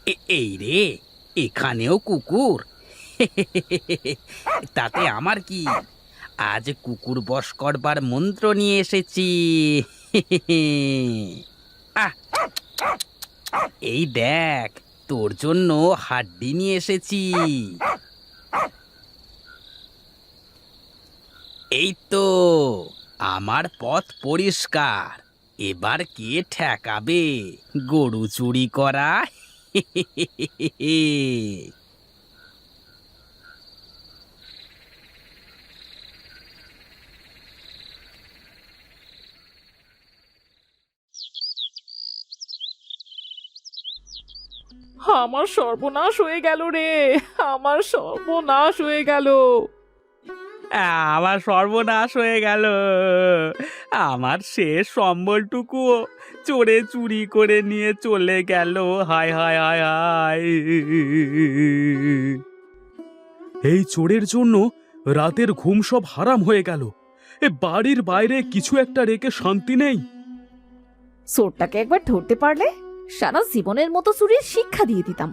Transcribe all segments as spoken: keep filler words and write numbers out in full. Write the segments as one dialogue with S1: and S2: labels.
S1: এ- এই রে, এখানেও কুকুর! তাতে আমার কি? আজ কুকুর বশ করবার মন্ত্র নিয়ে এসেছি। আহ, এই দেখ, তোর জন্য হাড্ডি নিয়ে এসেছি। এই তো, আমার পথ পরিষ্কার। এবার কে ঠেকাবে গরু চুরি করা?
S2: আমার সর্বনাশ হয়ে গেল রে। আমার সর্বনাশ হয়ে গেল।
S1: আমার সর্বনাশ হয়ে গেল। আমার শেষ সম্বলটুকুও চোরে চুরি করে নিয়ে চলে গেল। হায় হায় হায় হায়!
S3: এই চোরের জন্য রাতের ঘুম সব হারাম হয়ে গেল। এ বাড়ির বাইরে কিছু একটা রেখে শান্তি নেই।
S4: চোরটাকে একবার ধরতে পারলে সারা জীবনের মতো চুরির শিক্ষা দিয়ে দিতাম।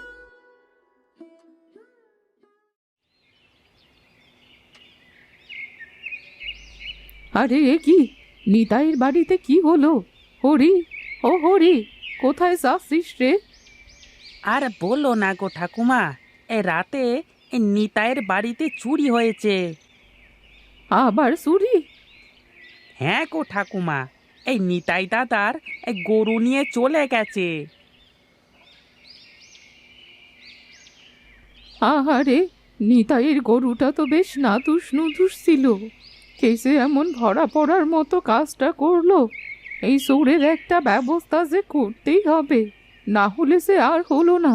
S2: আরে এ কি, নিতাইয়ের বাড়িতে কি হলো? হরি, ও হরি, কোথায় যাচ্ছিস রে?
S1: আর বলো না গো ঠাকুমা, এ রাতে এ নিতাইয়ের বাড়িতে চুরি হয়েছে।
S2: আবার চুরি?
S1: হ্যাঁ গো ঠাকুমা, এই নিতাই দাদার এই গরু নিয়ে চলে গেছে।
S2: আহারে, নিতাইয়ের গরুটা তো বেশ নাদুস নুদুস ছিল। কেসে এমন ধরা পড়ার মতো কাজটা করলো। এই চোরের একটা ব্যবস্থা যে করতেই হবে, না হলে সে আর হলো না।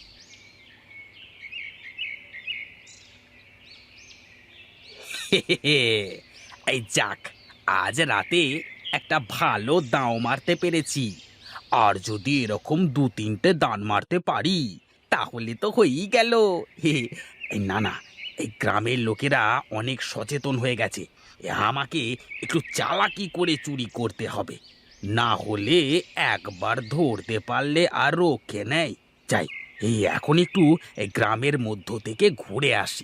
S1: এই যাক, আজ রাতে একটা ভালো দাঁও মারতে পেরেছি। আর যদি এরকম দু তিনটে দান মারতে পারি তাহলে তো হয়েই গেল। হে, এই না না, এই গ্রামের লোকেরা অনেক সচেতন হয়ে গেছে। এ আমাকে একটু চালাকি করে চুরি করতে হবে, না হলে একবার ধরতে পারলে আর রক্ষে নেই। যাই, এই এখন একটু এই গ্রামের মধ্য থেকে ঘুরে আসি।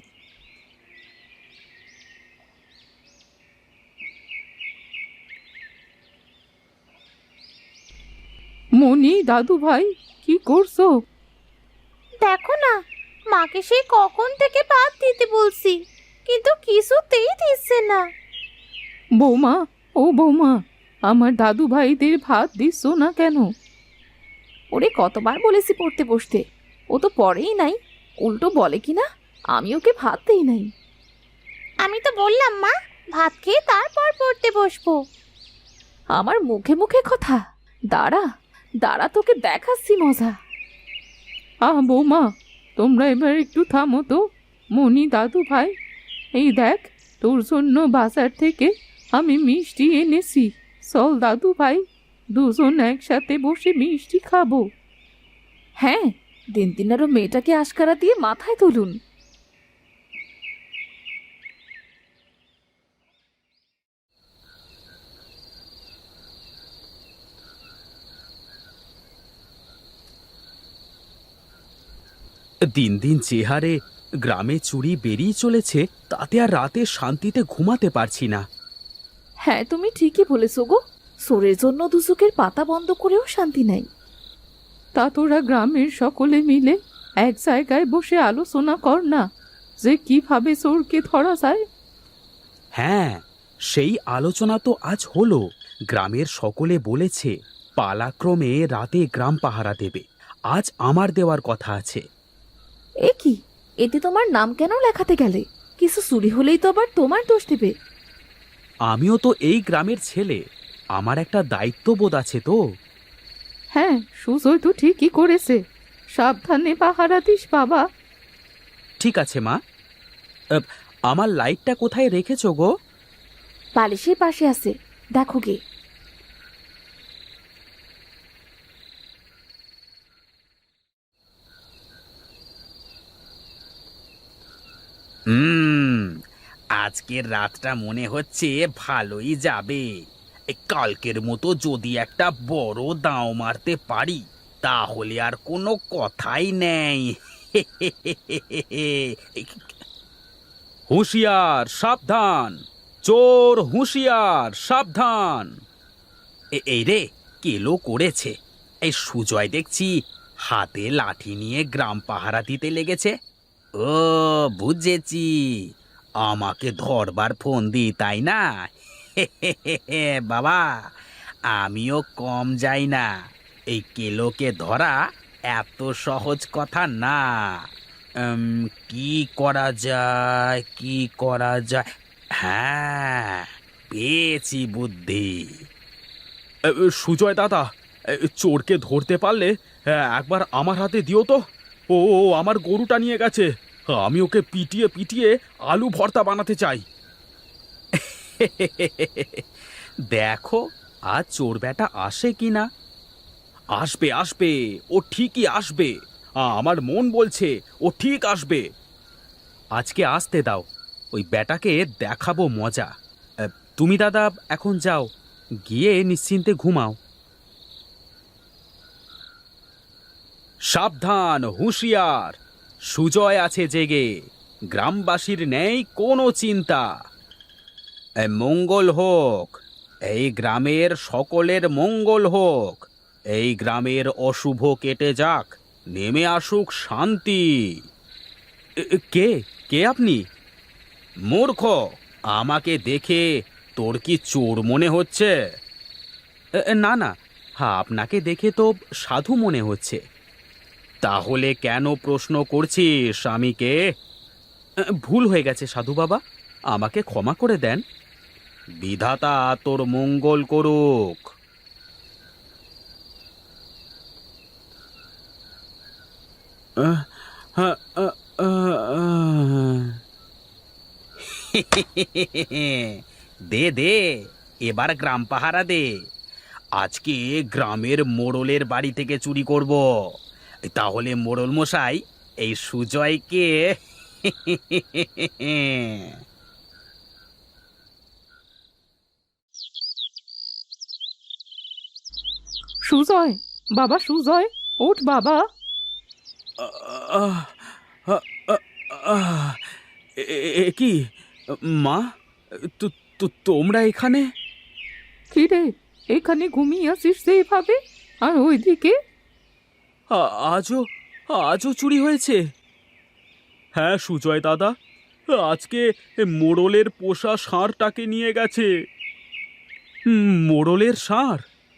S2: মনি, দাদু ভাই, কি করছো?
S5: দেখো না, মাকে সেই কখন থেকে ভাত দিতে বলছি, কিন্তু কিছুতেই দিচ্ছে না।
S2: বৌমা, ও বৌমা, আমার দাদু ভাইদের ভাত দিচ্ছ না কেন?
S4: ওরে কতবার বলেছি পড়তে বসতে, ও তো পড়েই নাই। উল্টো বলে কিনা আমি ওকে ভাত দেই নাই।
S5: আমি তো বললাম মা, ভাত খেয়ে তারপর পড়তে বসবো।
S4: আমার মুখে মুখে কথা। দাঁড়া দাঁড়া, তোকে দেখাচ্ছি মজা।
S2: আহ বৌমা, তোমরা এবার একটু থামো তো। মনি, দাদু ভাই, এই দেখ, তোর জন্য বাজার থেকে আমি মিষ্টি এনেছি। চল দাদু ভাই, দুজন একসাথে বসে মিষ্টি খাবো।
S4: হ্যাঁ, দিন দিন আরো মেয়েটাকে আশকারা দিয়ে মাথায় তুলুন।
S3: দিন দিন যে হারে গ্রামে চুরি বেরিয়ে চলেছে, তাতে আর রাতে শান্তিতে ঘুমাতে পারছি না।
S4: হ্যাঁ, তুমি ঠিকই বলেছো গো। সোরের জন্য দুচোখের পাতা বন্ধ করেও শান্তি নাই।
S2: তা তোরা গ্রামের সকলে মিলে এক জায়গায় বসে আলোচনা কর না, যে কিভাবে চোরকে ধরা যায়।
S3: হ্যাঁ, সেই আলোচনা তো আজ হলো। গ্রামের সকলে বলেছে পালাক্রমে রাতে গ্রাম পাহারা দেবে। আজ আমার দেওয়ার কথা আছে।
S4: এ কি, এতে তোমার নাম কেন লেখাতে গেলে? কিছু চুরি হলেই তো আবার তোমার দোষ দেবে।
S3: আমিও তো এই গ্রামের ছেলে, আমার একটা দায়িত্ববোধ আছে তো।
S2: হ্যাঁ, সুজয় তো ঠিকই করেছে। সাবধানে পাহারা দিস বাবা।
S3: ঠিক আছে মা। আহ, আমার লাইটটা কোথায় রেখেছো গো?
S4: বালিশের পাশে আছে, দেখো গে।
S1: হুম, আজকের রাতটা মনে হচ্ছে ভালোই যাবে। এই কালকের মতো যদি একটা বড় দাঁও মারতে পারি তাহলে আর কোনো কথাই নেই।
S3: হুঁশিয়ার সাবধান, চোর হুঁশিয়ার সাবধান।
S1: এ- এই রে, কেলো করেছে। এই সুজয় দেখছি হাতে লাঠি নিয়ে গ্রাম পাহারা দিতে লেগেছে। ও, বুঝেছি, আমাকে ধরবার ফোন দি, তাই না? বাবা, আমিও কম যাই না। এই কেলোকে ধরা এত সহজ কথা না। উম, কি করা যায়, কি করা যায়? হ্যাঁ, পেয়েছি বুদ্ধি।
S3: এ, এ, সুজয় দাদা, এ, চোরকে ধরতে পারলে এ, একবার আমার হাতে দিও তো। ও ও আমার গরুটা নিয়ে গেছে, আমি ওকে পিটিয়ে পিটিয়ে আলু ভর্তা বানাতে চাই।
S1: দেখো আজ চোর বেটা আসে কিনা।
S3: আসবে আসবে, ও ঠিকই আসবে। আ, আমার মন বলছে ও ঠিক আসবে।
S1: আজকে আসতে দাও, ওই বেটাকে দেখাবো মজা। আহ, তুমি দাদা এখন যাও, গিয়ে নিশ্চিন্তে ঘুমাও।
S3: সাবধান হুঁশিয়ার, সুজয় আছে জেগে, গ্রামবাসীর নেই কোনো চিন্তা।
S1: এ, মঙ্গল হোক, এই গ্রামের সকলের মঙ্গল হোক। এই গ্রামের অশুভ কেটে যাক, নেমে আসুক শান্তি।
S3: এ, এ, কে কে আপনি?
S1: মূর্খ, আমাকে দেখে তোর কি চোর মনে হচ্ছে?
S3: এ, এ, না না, হ্যাঁ আপনাকে দেখে তো সাধু মনে হচ্ছে।
S1: তাহলে কেন প্রশ্ন করছিস স্বামীকে?
S3: এ, ভুল হয়ে গেছে সাধু বাবা, আমাকে ক্ষমা করে দেন।
S1: বিধাতা তোর মঙ্গল করুক।
S3: আহ, আহ, আহ, আহ, আহ।
S1: দে দে, এবার গ্রাম পাহারা দে। আজকে গ্রামের মোড়লের বাড়ি থেকে চুরি করব। তাহলে মোড়ল মশাই এই সুজয়কে
S2: সুজয়, বাবা সুজয়, ওঠ বাবা।
S3: আহ, আহ, আহ, আহ, এ এ- এ কি মা, তো- তো- তোমরা এখানে?
S2: কি রে, এখানে ঘুমিয়ে আসিস সেইভাবে? আর ওইদিকে?
S3: আ- আজও আজও চুরি হয়েছে? হ্যাঁ সুজয় দাদা, আজকে মোড়লের পোষা ষাঁড়টাকে নিয়ে গেছে। হুম, মোড়লের ষাঁড়?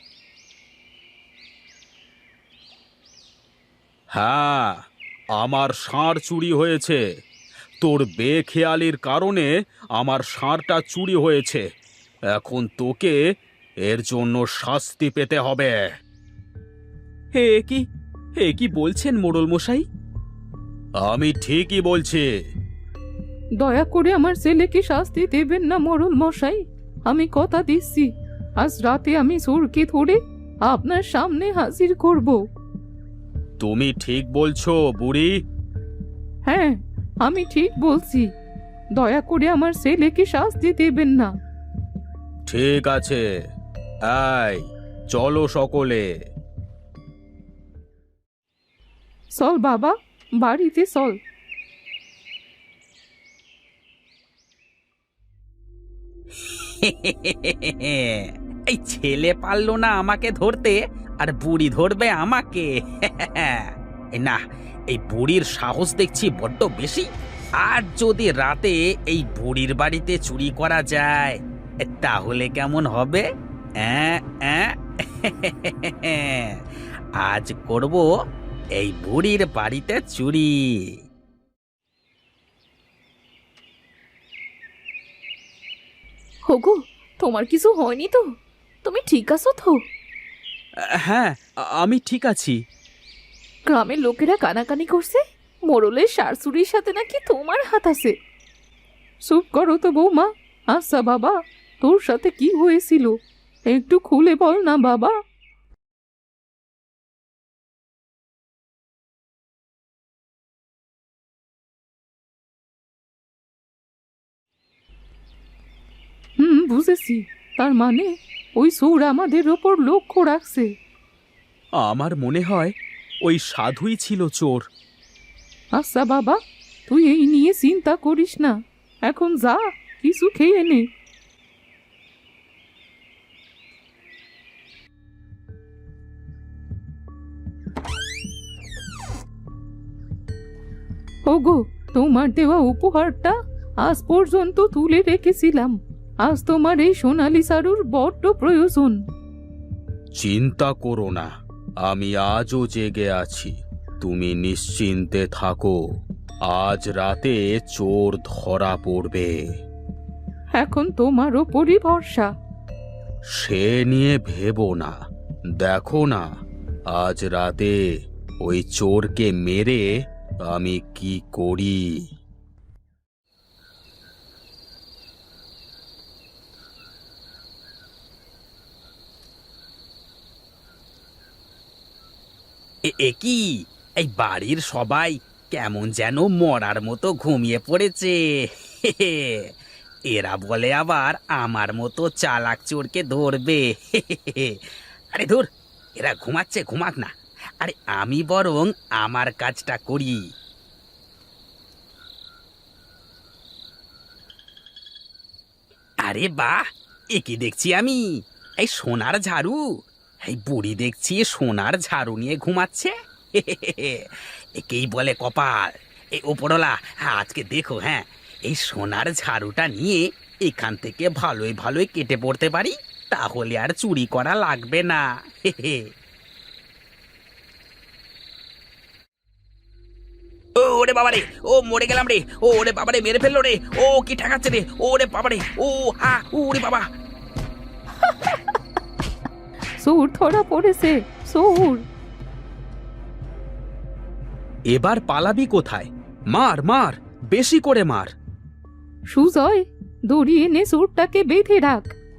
S1: হ্যাঁ, আমার ষাঁড় চুরি হয়েছে। তোর বেখেয়ালির কারণে আমার ষাঁড়টা চুরি হয়েছে। এখন তোকে এর জন্য শাস্তি পেতে হবে।
S3: হে কি এ কি বলছেন মোড়ল মশাই?
S1: আমি ঠিকই বলছি।
S2: দয়া করে আমার ছেলেকে শাস্তি দেবেন না মরণ মশাই। আমি কথা দিচ্ছি, আজ রাতে আমি চোরকে ধরে আপনার সামনে হাজির করব।
S1: তুমি ঠিক বলছো বুড়ি।
S2: হ্যাঁ, আমি ঠিক বলছি। দয়া করে আমার ছেলেকে শাস্তি দেবেন না।
S1: ঠিক আছে, এই চলো সকলে।
S2: চল বাবা, বাড়িতে চল।
S1: এই ছেলে পারলো না আমাকে ধরতে, আর বুড়ি ধরবে আমাকে। এই না, এই বুড়ির সাহস দেখছি বড্ড বেশি। আর যদি রাতে এই বুড়ির বাড়িতে চুরি করা যায়, তাহলে কেমন হবে? অ্যাঁ, অ্যাঁ? আজ করব এই বুড়ির বাড়িতে চুরি।
S4: হোগো, তোমার কিছু হয়নি তো? তুমি ঠিক আছো তো?
S3: হ্যাঁ, আ- আমি ঠিক আছি।
S4: গ্রামের লোকেরা কানাকানি করছে মোড়লের শাশুড়ির সাথে নাকি তোমার হাত আছে।
S2: চুপ করো তো বৌমা। আচ্ছা বাবা, তোর সাথে কি হয়েছিল একটু খুলে বল না বাবা। হুম, বুঝেছি। তার মানে ওই চোর আমাদের ওপর লক্ষ্য রাখছে।
S3: আমার মনে হয় ওই সাধুই ছিল চোর।
S2: আচ্ছা বাবা, তুই এই নিয়ে চিন্তা করিস না, এখন যা কিছু খেয়ে নে। ওগো, তোমার দেওয়া উপহারটা আজ পর্যন্ত তুলে রেখেছিলাম। আজ তোমার এই সোনালি সারুর বড্ড প্রয়োজন।
S3: চিন্তা করো না, আমি আজও জেগে আছি। তুমি নিশ্চিন্তে থাকো, আজ রাতে চোর ধরা পড়বে।
S2: এখন তোমার ওপরই ভরসা।
S3: সে নিয়ে ভেবো না, দেখো না আজ রাতে ওই চোরকে মেরে আমি কি করি।
S1: এ- এ কি, এই বাড়ির সবাই কেমন যেন মরার মতো ঘুমিয়ে পড়েছে। এরা বলে আবার আমার মতো চালাক চোরকে ধরবে। আরে ধুর, এরা ঘুমাচ্ছে, ঘুমাক না। আরে আমি বরং আমার কাজটা করি। আরে বাহ, এ কি দেখছি আমি? এই সোনার ঝাড়ু! এই বুড়ি দেখছি সোনার ঝাড়ু নিয়ে ঘুমাচ্ছে। একেই বলে কপাল। এই ওপরওয়ালা, আজকে দেখো, হ্যাঁ, এই সোনার ঝাড়ুটা নিয়ে এখান থেকে ভালোই ভালোই কেটে পড়তে পারি, তাহলে আর চুরি করা লাগবে না। ও ওরে বাবারে, ও মরে গেলাম রে! ও ওরে বাবারে, মেরে ফেললো রে! ও কি ঠেকাচ্ছে রে! ওরে বাবারে, ও হা, ওরে বাবা!
S2: চোর ধরা পড়েছে, চোর।
S3: এবার পালাবি কোথায়? মার মার, বেশি করে মার।
S2: সুজয়, দড়ি এনে চোরটাকে বেঁধে রাখ।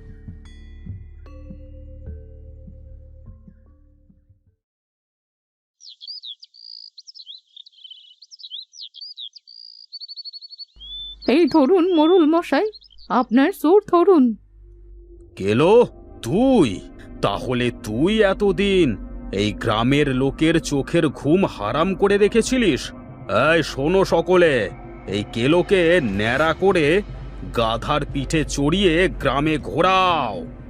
S2: এই ধরুন মোড়ল মশাই, আপনার চোর ধরুন।
S3: গেলো তুই? তাহলে তুই এতদিন এই গ্রামের লোকের চোখের ঘুম হারাম করে রেখেছিলিস? এই শোনো সকলে, এই কেলোকে ন্যাড়া করে গাধার পিঠে চড়িয়ে গ্রামে ঘোরাও।